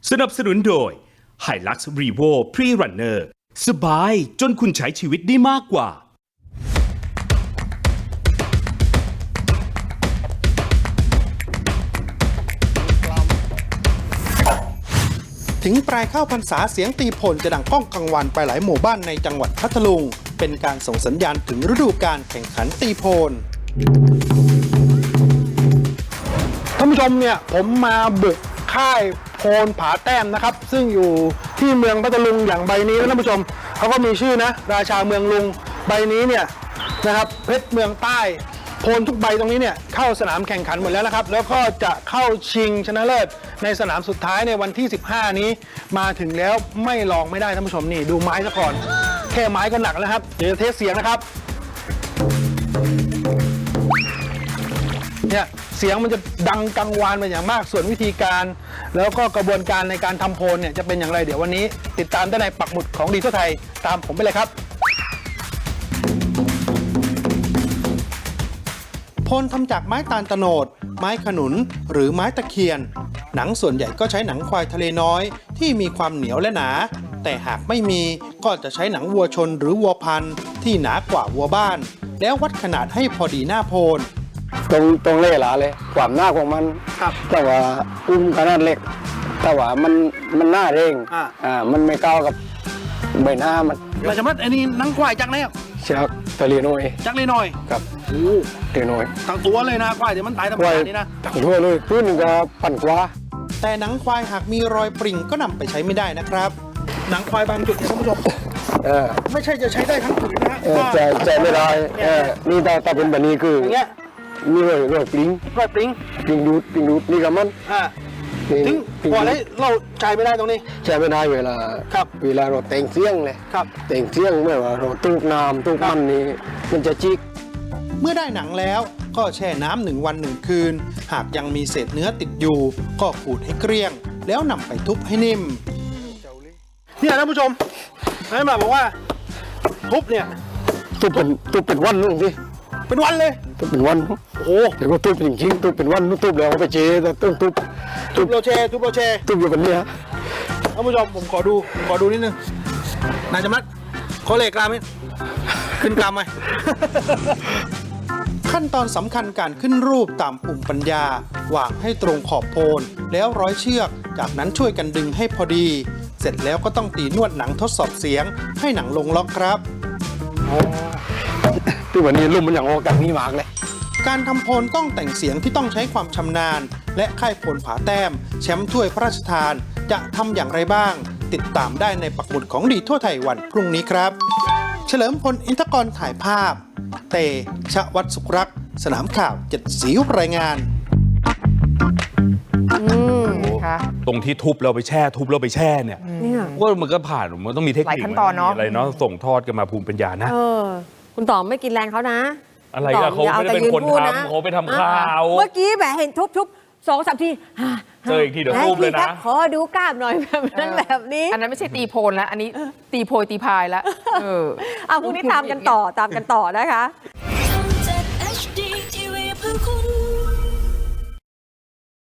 สนับสนุนโดย Hilux Revo Pre-Runner สบายจนคุณใช้ชีวิตได้มากกว่าถึงปลายเข้าพรรษาเสียงตีโพนจะดังก้องกังวานไปหลายหมู่บ้านในจังหวัดพัทลุงเป็นการส่งสัญญาณถึงฤดูกาลแข่งขันตีโพนท่านผู้ชมเนี่ยผมมาบุกค่ายโพนผาแต้มนะครับซึ่งอยู่ที่เมืองพัทลุงอย่างใบนี้นะท่านผู้ชมเขาก็มีชื่อนะราชาเมืองลุงใบนี้เนี่ยนะครับเพชรเมืองใต้โพนทุกใบตรงนี้เนี่ยเข้าสนามแข่งขันหมดแล้วนะครับแล้วก็จะเข้าชิงชนะเลิศในสนามสุดท้ายในวันที่15นี้มาถึงแล้วไม่ลองไม่ได้ท่านผู้ชมนี่ดูไม้ซะก่อนแค่ไม้ก็หนักแล้วครับเดี๋ยวจะเทสเสียงนะครับเนี่ยเสียงมันจะดังกังวานเป็นอย่างมากส่วนวิธีการแล้วก็กระบวนการในการทำโพนเนี่ยจะเป็นอย่างไรเดี๋ยววันนี้ติดตามได้ในปักหมุดของดีทั่วไทยตามผมไปเลยครับโพนทำจากไม้ตาลโตนดไม้ขนุนหรือไม้ตะเคียนหนังส่วนใหญ่ก็ใช้หนังควายทะเลน้อยที่มีความเหนียวและหนาแต่หากไม่มีก็จะใช้หนังวัวชนหรือวัวพันธุ์ที่หนากว่าวัวบ้านแล้ววัดขนาดให้พอดีหน้าโพนตรงเล่หลาเลยความหน้าของมันแต่ว่าอุ้มขนาดเล็กแต่ว่ามันหน้าเร่งมันไม่ก้าวกับใบหน้ามันเราจะมัดอันนี้หนังควายจักแล้วจากทะเลน้อยจักเลยน้อยครับโอ้ทะเลน้อยทั้งตัวเลยนะควายเดี๋ยวมันตายธรรมดานี่นะทั้งตัวเลยพื้นก็ปั่นกว่าแต่หนังควายหากมีรอยปริ่งก็นำไปใช้ไม่ได้นะครับหนังควายบางจุดท่านผู้ชมไม่ใช่จะใช้ได้ทั้งผืนนะใช้ไม่ได้นี่ถ้าเป็นแบบนี้คืออย่างเงี้ยมีรอยปริ้งดูดนี่กับมันถึงพอแล้วเราใช้ไม่ได้ตรงนี้ใช้ไม่ได้เวลาเราแต่งเสียงเลยแต่งเสียงเมื่อว่าเราตูกน้ำตูกมันนี่มันจะจิกเมื่อได้หนังแล้วก็แช่น้ำ1 วัน 1 คืนหากยังมีเศษเนื้อติดอยู่ก็ขูดให้เกลี้ยงแล้วนำไปทุบให้นิ่มเนี่ยท่านผู้ชมให้มาบอกว่าทุบเนี่ยทุบเป็นวันนู่นสิเป็นวันเลยทุบเป็นวันโอ้เดี๋ยวก็ทุบจริงๆทุบเป็นวันทุบแล้วเอาไปเจ๊แต่ต้องทุบเราแช่ทุบอยู่แบบนี้ฮะท่านผู้ชมผมขอดูนิดนึงนายจำรัดขอเลขกลามไหมขึ้นกลามไหม ขั้นตอนสำคัญการขึ้นรูปตามภูมิปัญญาวางให้ตรงขอบโพนแล้วร้อยเชือกจากนั้นช่วยกันดึงให้พอดีเสร็จแล้วก็ต้องตีนวดหนังทดสอบเสียงให้หนังลงล็อกครับที่วันนี้ลุ่มมันอย่างออกจากนี้มากเลยการทำโพนต้องแต่งเสียงที่ต้องใช้ความชำนาญและค่ายโพนผาแต้มแชมป์ถ้วยพระราชทานจะทำอย่างไรบ้างติดตามได้ในปักหมุดของดีทั่วไทยวันพรุ่งนี้ครับเฉลิมพลอินทกรถ่ายภาพเตชะวัฒน์สุขรักษ์สนามข่าว7 สีรายงานตรงที่ทุบเราไปแช่เนี่ยว่ามันก็ผ่านมันต้องมีเทคนิคอะไรเนาะส่งทอดกันมาภูมิปัญญานะคุณต่อไม่กินแรงเขานะอะไรอะเขาไม่ได้เป็นคนทำเขาไปทำข่าวเมื่อกี้แบบเห็นทุบ2-3 ทีเจออีกทีเดี๋ยวทุบเลยนะขอดูกล้ามหน่อยแบบนี้อันนั้นไม่ใช่ตีโพนแล้วอันนี้ตีโพยตีพายแล้วพรุ่งนี้ตามกันต่อนะคะ